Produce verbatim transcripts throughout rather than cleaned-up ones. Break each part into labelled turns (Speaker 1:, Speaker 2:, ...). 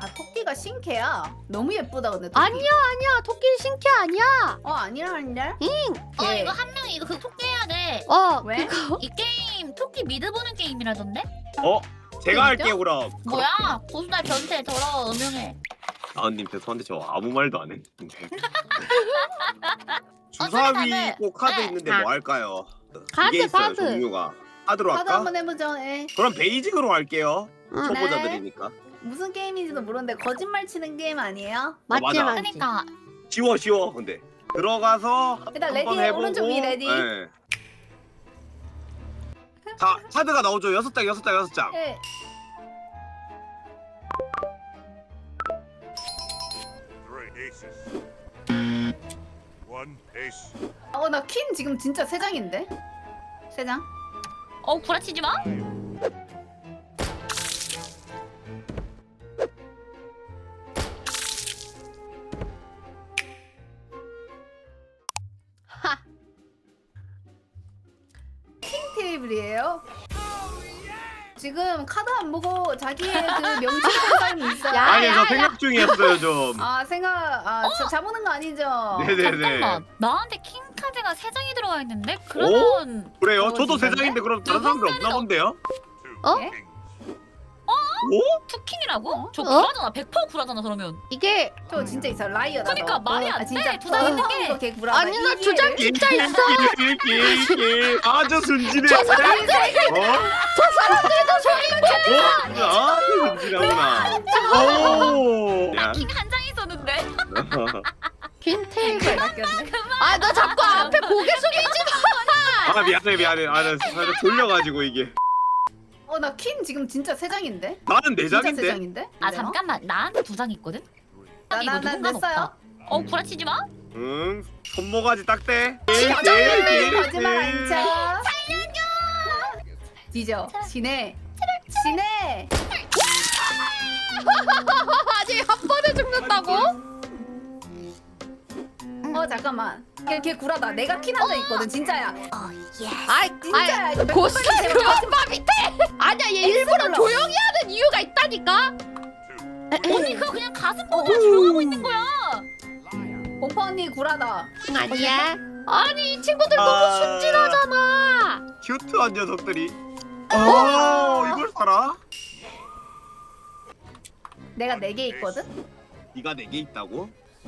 Speaker 1: 아 토끼가 신캐야? 너무 예쁘다 근데 토끼.
Speaker 2: 아니야 아니야 토끼 신캐 아니야.
Speaker 1: 어 아니라는데?
Speaker 3: 어
Speaker 1: 예.
Speaker 3: 이거 한 명이 이거 그 토끼 해야 돼.
Speaker 2: 어
Speaker 1: 왜?
Speaker 2: 그거
Speaker 3: 이 게임 토끼 미드 보는 게임이라던데?
Speaker 4: 어? 제가 할게요 그럼.
Speaker 3: 뭐야? 고수달 변태 더러워 음흉해.
Speaker 4: 아님 죄송한데 저 아무 말도 안 했는데.
Speaker 3: 어,
Speaker 4: 주사위
Speaker 3: 다들.
Speaker 4: 꼭 카드
Speaker 3: 네.
Speaker 4: 있는데
Speaker 2: 아.
Speaker 4: 뭐 할까요?
Speaker 2: 카드,
Speaker 4: 이게 있어요
Speaker 2: 카드.
Speaker 4: 종류가. 카드로
Speaker 1: 카드
Speaker 4: 할까?
Speaker 1: 한번 해보죠. 예.
Speaker 4: 그럼 베이직으로 할게요.
Speaker 2: 응.
Speaker 4: 초보자들이니까.
Speaker 1: 무슨 게임인지도 모르는데 거짓말 치는 게임 아니에요?
Speaker 2: 맞지
Speaker 4: 맞아.
Speaker 2: 맞지.
Speaker 3: 그러니까
Speaker 4: 쉬워 쉬워 근데. 들어가서
Speaker 1: 일단
Speaker 4: 한번
Speaker 1: 레디,
Speaker 4: 해보고.
Speaker 1: 오른쪽 위 레디.
Speaker 4: 네. 자 카드가 나오죠. 여섯 장 여섯 장 여섯 장.
Speaker 1: 예.
Speaker 5: Three aces. One ace.
Speaker 1: 어나 퀸 지금 진짜 세 장인데? 세 장?
Speaker 3: 어 구라치지 마.
Speaker 2: 하.
Speaker 1: 킹 테이블이에요? 지금 카드 안 보고 자기의 그 명칭한 사람이 있어요.
Speaker 2: 야,
Speaker 4: 아니
Speaker 2: 야,
Speaker 4: 저
Speaker 2: 야.
Speaker 4: 생각 중이었어요 좀.
Speaker 1: 아 생각 아 저 잡는 거 아니죠?
Speaker 4: 네네네.
Speaker 3: 잠깐만. 나한테 킹 카드가 세 장이 들어가 있는데 그러면
Speaker 4: 그래요?
Speaker 1: 어,
Speaker 4: 저도 세
Speaker 1: 진짜네?
Speaker 4: 장인데 그럼 다른 사람들 없나 본데요?
Speaker 5: Two
Speaker 2: 어?
Speaker 5: kings.
Speaker 4: 오?
Speaker 3: 투킹이라고? 저
Speaker 2: 어?
Speaker 3: 구라잖아. 백 퍼센트 구라잖아 그러면.
Speaker 2: 이게
Speaker 1: 저 진짜 있어 라이어다.
Speaker 3: 그러니까
Speaker 1: 너.
Speaker 3: 말이
Speaker 1: 어,
Speaker 3: 안
Speaker 1: 아, 진짜
Speaker 3: 돼. 두 장 있는 게.
Speaker 1: 이거 걔 구라다.
Speaker 2: 아니 나
Speaker 1: 이
Speaker 2: 두 장
Speaker 1: 기회를.
Speaker 2: 진짜 있어.
Speaker 4: 아주 순진해.
Speaker 2: 저 사람들
Speaker 4: 어?
Speaker 2: 저 사람들도 저기
Speaker 4: 어? 아주 순진하구나. 오. 야.
Speaker 3: 킹 한 장 있었는데.
Speaker 2: 긴 테이블.
Speaker 1: 바뀌었네.
Speaker 2: 아 너 자꾸 앞에 고개 숙이지 마.
Speaker 4: 아 미안해 미안해. 아나 살짝 졸려가지고 이게.
Speaker 1: 어나 퀸 지금 진짜 세 장인데?
Speaker 4: 나는 네
Speaker 1: 진짜 세
Speaker 4: 장인데.
Speaker 1: 장인데?
Speaker 3: 아
Speaker 1: 그래요?
Speaker 3: 잠깐만 나한테 두 장 있거든?
Speaker 1: 나,
Speaker 3: 이거
Speaker 1: 나, 나
Speaker 3: 누군가
Speaker 1: 냈어요.
Speaker 3: 없다. 어 구라치지 마.
Speaker 4: 응. 손모가지 딱대.
Speaker 1: 진짜는 거짓말 안 쳐. 살려줘. 뒤져. 지네. 지네.
Speaker 2: 아직 한 번에 죽는다고?
Speaker 1: 어 잠깐만. 걔, 걔 구라다. 내가 퀸 한 장 있거든. 진짜야.
Speaker 2: 아이
Speaker 1: 진짜야.
Speaker 2: 아이
Speaker 1: 이거 몇
Speaker 2: 고스
Speaker 1: 번째 제발
Speaker 2: 그만 밑에. 아니야 얘 일부러
Speaker 1: 눌러.
Speaker 2: 조용히 하는 이유가 있다니까.
Speaker 3: 언니 그거 그냥 가슴 보고 조용하고 있는 거야.
Speaker 1: 곰파 언니 구라다.
Speaker 2: 아니야. 아니 이 친구들
Speaker 4: 아.
Speaker 2: 너무 순진하잖아.
Speaker 4: 큐트한 녀석들이. 어 이걸 살아?
Speaker 1: 내가 네 개 있거든.
Speaker 4: 네가 네 개 있다고?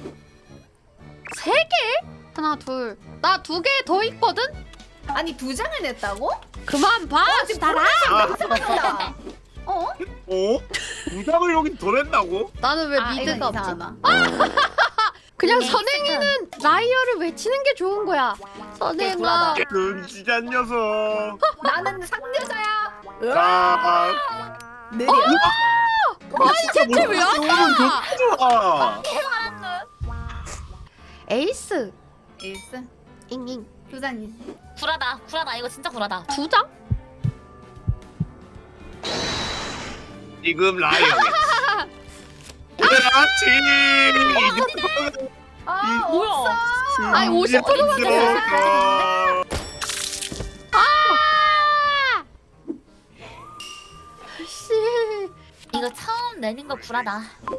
Speaker 2: 세 개? 하나 둘. 나 두 개 더 있거든.
Speaker 1: 아니 두 장을 냈다고?
Speaker 2: 그만 봐. 달아.
Speaker 4: 아,
Speaker 1: 이상하다. 어?
Speaker 4: 어? 두 장을 여기 더 냈다고?
Speaker 2: 나는 왜
Speaker 1: 아,
Speaker 2: 미드가
Speaker 1: 이건
Speaker 2: 없지?
Speaker 1: 이상하다.
Speaker 2: 그냥
Speaker 3: 에이,
Speaker 2: 선행이는 라이어를 외치는 게 좋은 거야. 선행아.
Speaker 1: 불안하다.
Speaker 4: 끔찍한 녀석.
Speaker 1: 나는 상여자야.
Speaker 4: 자,
Speaker 1: 느려.
Speaker 2: 아니 대체 왜 안 나?
Speaker 4: 아,
Speaker 2: 에이스.
Speaker 1: 에이스.
Speaker 2: 잉잉.
Speaker 1: 두 장이지.
Speaker 3: 구라다 구라다 이거 진짜 구라다.
Speaker 2: 두 장?
Speaker 4: 지금 라이언. 그렇지.
Speaker 1: 아
Speaker 3: 뭐야?
Speaker 1: 없어.
Speaker 2: 아니, 오십 퍼센트만
Speaker 4: 들어가.
Speaker 2: 아! 씨.
Speaker 3: 이거 처음 내는 거 구라다.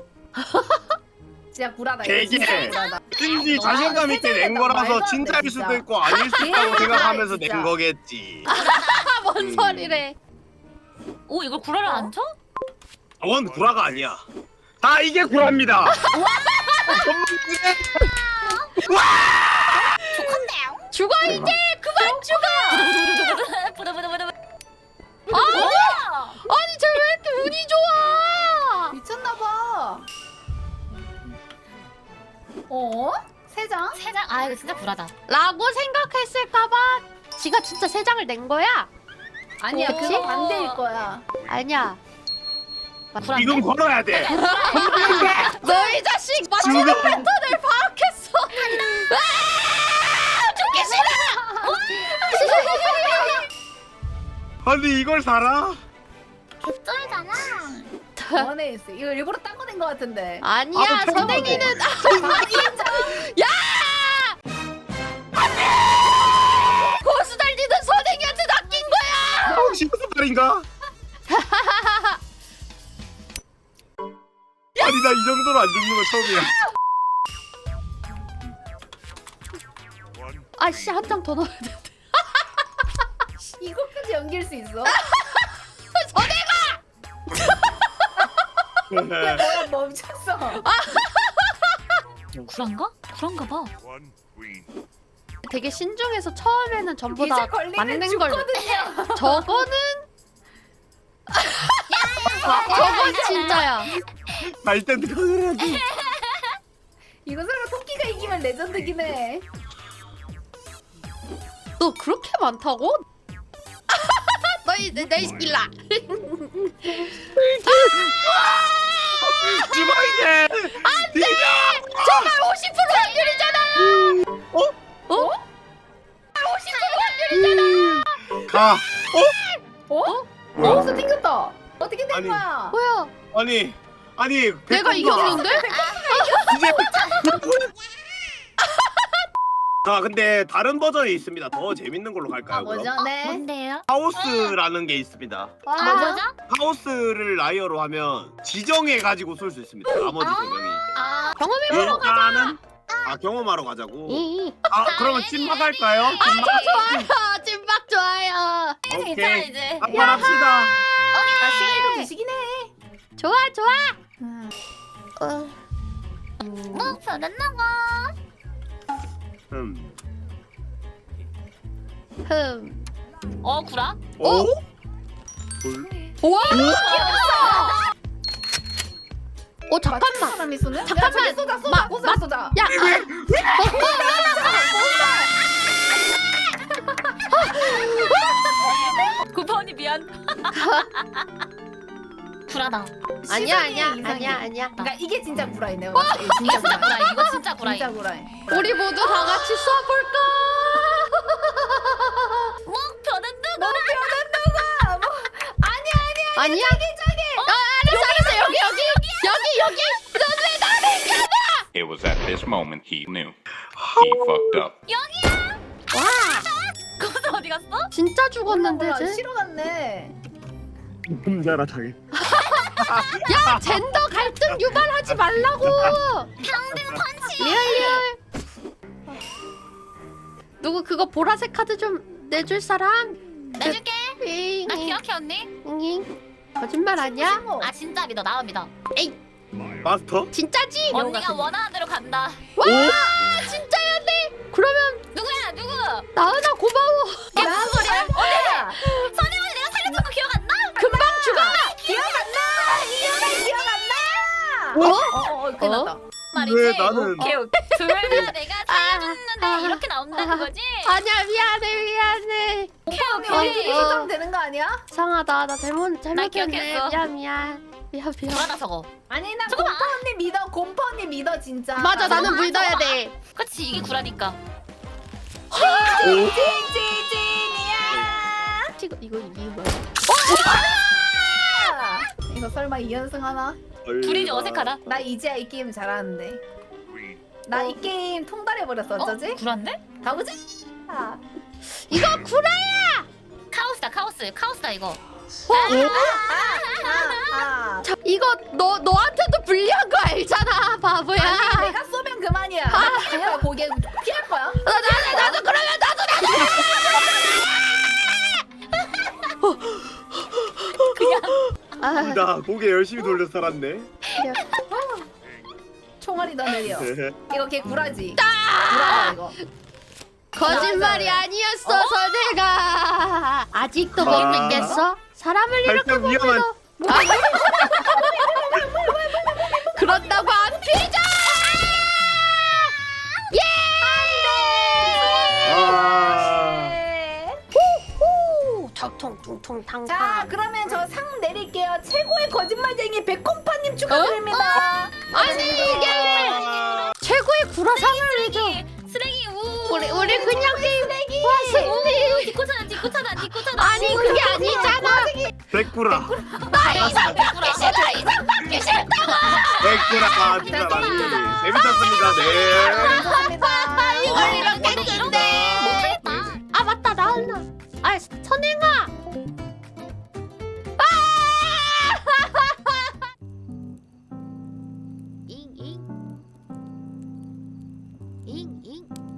Speaker 1: 진짜 구라다. 이거
Speaker 4: 되게.
Speaker 1: 진짜 구라다.
Speaker 4: 왠지 자신감 있게 낸 거라서
Speaker 1: 말도 안 돼,
Speaker 4: 진짜일
Speaker 1: 진짜.
Speaker 4: 수도 있고 아닐 수 있다고
Speaker 1: 진짜,
Speaker 4: 생각하면서
Speaker 1: 진짜.
Speaker 4: 낸 거겠지.
Speaker 2: 아, 뭔
Speaker 4: 음.
Speaker 2: 소리래?
Speaker 3: 오 이걸 구라를 안 쳐?
Speaker 4: 원 구라가 아니야. 다 이게 구라입니다.
Speaker 3: 좋건데요.
Speaker 2: 죽어 이제 그만 죽어.
Speaker 3: 부들부들부들.
Speaker 2: 아, 아니 쟤 왜 이렇게 운이 좋아?
Speaker 1: 미쳤나봐. 어? 세 장?
Speaker 3: 세 장. 아 이거 진짜 구라다.
Speaker 2: 라고 생각했을까봐 지가 진짜 세 장을 낸 거야?
Speaker 1: 아니야
Speaker 2: 그치?
Speaker 1: 그거 반대일 거야.
Speaker 2: 아니야.
Speaker 3: 구라.
Speaker 4: 지금 걸어야 돼.
Speaker 2: 너 이 자식 맞추는
Speaker 4: 지금.
Speaker 2: 패턴을 파악했어. 아, 죽기 싫어.
Speaker 4: 아니 이걸 살아?
Speaker 3: 개쩔잖아.
Speaker 1: 원에 있어. 이거 일부러 딴 거 낸 거 같은데.
Speaker 2: 아니야
Speaker 4: 아, 또
Speaker 2: 선행이는 야! 고수 달리는 선행이한테 낚인 거야.
Speaker 4: 혹시 무슨 말인가? 아니 아니 나 이 정도로 안 죽는 거 처음이야.
Speaker 5: One
Speaker 2: 아씨 한 장 더 넣어야 돼.
Speaker 1: 이것까지 연기할 수 있어? 야 뭐야 멈췄어.
Speaker 3: 구란가? 구란가 봐.
Speaker 5: one queen.
Speaker 2: 되게 신중해서 처음에는 전부
Speaker 1: 이제
Speaker 2: 다
Speaker 1: 걸리면
Speaker 2: 맞는 걸.
Speaker 1: 죽거든요.
Speaker 2: 저거는 저건 진짜야.
Speaker 4: 나 일단 들어가야지.
Speaker 1: 이거 설마 토끼가 이기면 레전드긴 해.
Speaker 2: 너 그렇게 많다고? 너희 내, 내 스킬라.
Speaker 4: 죽어 이제. 안돼.
Speaker 2: 정말 오십 퍼센트 확률이잖아.
Speaker 4: 어?
Speaker 2: 어? 오십 퍼센트 확률이잖아.
Speaker 4: 가. 어?
Speaker 1: 어? 몬스터 튕겼다. 어떻게 된
Speaker 4: 아니.
Speaker 1: 거야?
Speaker 2: 뭐야?
Speaker 4: 아니 아니.
Speaker 2: 내가
Speaker 4: 백분가.
Speaker 2: 이겼는데?
Speaker 4: 이제. 자 근데 다른 버전이 있습니다. 더 재밌는 걸로 갈까요?
Speaker 1: 아 뭐죠?
Speaker 4: 그럼?
Speaker 1: 네.
Speaker 3: 뭔데요?
Speaker 4: 하우스라는 게 있습니다.
Speaker 1: 와.
Speaker 3: 뭐죠?
Speaker 4: 하우스를 라이어로 하면 지정해 가지고 쏠 수 있습니다. 나머지 세 명이.
Speaker 1: 아
Speaker 2: 경험해 보러
Speaker 4: 일단은 아 경험하러 가자고.
Speaker 2: 이.
Speaker 4: 아 그러면 찐막 할까요? 찐막.
Speaker 2: 좋아요. 찐박 좋아요.
Speaker 3: 괜찮아
Speaker 4: 오케이.
Speaker 3: 이제.
Speaker 4: 한번 합시다.
Speaker 1: 아, 시간도 드시긴 해.
Speaker 2: 좋아 좋아.
Speaker 1: 음.
Speaker 2: 어.
Speaker 3: 뭐 변했나가?
Speaker 4: 음.
Speaker 2: 흠.
Speaker 3: 어 구라?
Speaker 4: 오? 뭘?
Speaker 2: 우와. 어
Speaker 1: 맞춘
Speaker 2: 잠깐만.
Speaker 1: 사람이 쏘는?
Speaker 2: 잠깐만.
Speaker 1: 야, 저기 쏘자 쏘자
Speaker 2: 마-
Speaker 1: 쏘자 쏘자.
Speaker 2: 야.
Speaker 3: 구퍼언니 미안. 구라다.
Speaker 2: 아니야
Speaker 1: 시선이
Speaker 2: 아니야
Speaker 1: 이상해.
Speaker 2: 아니야 아니야.
Speaker 1: 그러니까 이게 진짜 구라이 내가 봤을 때.
Speaker 3: 이게
Speaker 1: 진짜
Speaker 3: 진짜
Speaker 1: 구라이.
Speaker 3: 구라. 이거 진짜 구라.
Speaker 1: 진짜 구라이.
Speaker 2: 우리 모두 다 같이 쏴볼까?
Speaker 3: 뭐 변했나?
Speaker 1: 너 변한다가 뭐 아니야 아니야.
Speaker 2: 아니야? 저기 저기. 아 알았어 알았어 여기 여기 여기 여기. 넌 왜 나를 가냐?
Speaker 6: It was at this moment he knew. He fucked up.
Speaker 3: 여기야.
Speaker 2: 와
Speaker 3: 거기서 어디 갔어?
Speaker 2: 진짜 죽었는데
Speaker 1: 몰라,
Speaker 2: 쟤.
Speaker 1: 싫어 갔네.
Speaker 4: 혼자라 당해.
Speaker 2: 야 젠더 갈등 유발하지 말라고.
Speaker 3: 평등 펀치.
Speaker 2: 리얼 리얼. 누구 그거 보라색 카드 좀 내줄 사람?
Speaker 3: 내줄게.
Speaker 2: 잉,
Speaker 3: 나
Speaker 2: 잉,
Speaker 3: 기억해 언니.
Speaker 2: 잉. 거짓말 아니야?
Speaker 1: 뭐.
Speaker 3: 아 진짜 믿어 나만 믿어.
Speaker 4: 마스터?
Speaker 2: 진짜지?
Speaker 3: 언니가 원하는 대로 간다.
Speaker 2: 와 진짜야 돼. 그러면
Speaker 3: 누구야 누구?
Speaker 2: 나은아 고마워.
Speaker 1: 무슨 소리야? 어디야?
Speaker 3: 선영언니 내가 살려준 거 기억 안 나?
Speaker 2: 금방 죽어.
Speaker 1: 기억 안 나. 이현아 기억 안 나.
Speaker 2: 어?
Speaker 1: 어어 큰일
Speaker 2: 어?
Speaker 1: 났다.
Speaker 3: 말이지.
Speaker 4: 왜 나는-
Speaker 3: 오케이 오케이. 둘 다 내가 살려줬는데
Speaker 2: 아,
Speaker 3: 이렇게 나온다는 거지?
Speaker 2: 아니야 미안해 미안해.
Speaker 3: 오케이
Speaker 1: 언니
Speaker 3: 오케이.
Speaker 1: 어디 수정 되는 거 아니야?
Speaker 2: 이상하다 나 잘못 잘못했네.
Speaker 3: 기억했어.
Speaker 2: 미안 미안 미안 미안.
Speaker 3: 불안하 저거.
Speaker 1: 아니 나
Speaker 3: 잠깐만.
Speaker 1: 곰파 언니 믿어. 곰파 언니 믿어 진짜.
Speaker 2: 맞아 나는
Speaker 3: 잠깐만,
Speaker 2: 믿어야
Speaker 3: 잠깐만.
Speaker 2: 돼.
Speaker 3: 그렇지 이게 구라니까.
Speaker 1: 찐찐찐이야.
Speaker 2: 이거 이거 이거 뭐야?
Speaker 1: 이거 설마 이 연승 하나?
Speaker 3: 둘이 이제 어색하다.
Speaker 1: 나 이제야 이 게임 잘하는데.
Speaker 5: Queen.
Speaker 1: 나 이 게임 통달해 버렸어. 어쩌지?
Speaker 3: 어? 구라인데?
Speaker 1: 가보자. 아,
Speaker 2: 이거 구라야.
Speaker 3: 카오스다 카오스 카오스다 이거.
Speaker 1: 아, 아.
Speaker 2: 자, 이거 너 너한테도 불리한 거 알잖아 바보야.
Speaker 1: 아니 내가 쏘면 그만이야. 나 그냥 고개 피할 거야.
Speaker 2: 나, 나도 나도 그러면 나도 나도.
Speaker 3: 그냥
Speaker 2: 아,
Speaker 4: 나 고개 열심히 돌려 살았네.
Speaker 1: 총알이 더 느려. 이거 걔 구라지. 구라다 이거.
Speaker 2: 거짓말이 아니었어 선혜가. 아직도 못
Speaker 4: 아.
Speaker 2: 믿겠어? 사람을 이렇게
Speaker 4: 살짝 위험한.
Speaker 2: 보면서. 아. 그런다고 안 피자.
Speaker 4: 아.
Speaker 1: 네.
Speaker 2: 후, 퉁퉁퉁퉁 탕탕.
Speaker 1: 자 그러면 저 상 내릴게요. 최고의 거짓말쟁이 백콤파님 축하드립니다.
Speaker 2: 아니 이게 최고의 구라상을 내줘.
Speaker 3: 쓰레기 우.
Speaker 2: 우리 우리 그냥 쓰레기. 와 승리.
Speaker 3: 디코차다 디코차다 디코차다.
Speaker 2: 아니 그게 아니잖아.
Speaker 4: 백구라.
Speaker 2: 나 이상 받기 싫어. 이상 받기 싫다고.
Speaker 4: 백구라. 진짜 많이 재밌었습니다. 네.
Speaker 1: 감사합니다.
Speaker 2: 이걸 이렇게 했는데.
Speaker 3: 못하겠다.
Speaker 2: 아 맞다 나은아. 아 선행아. 잉잉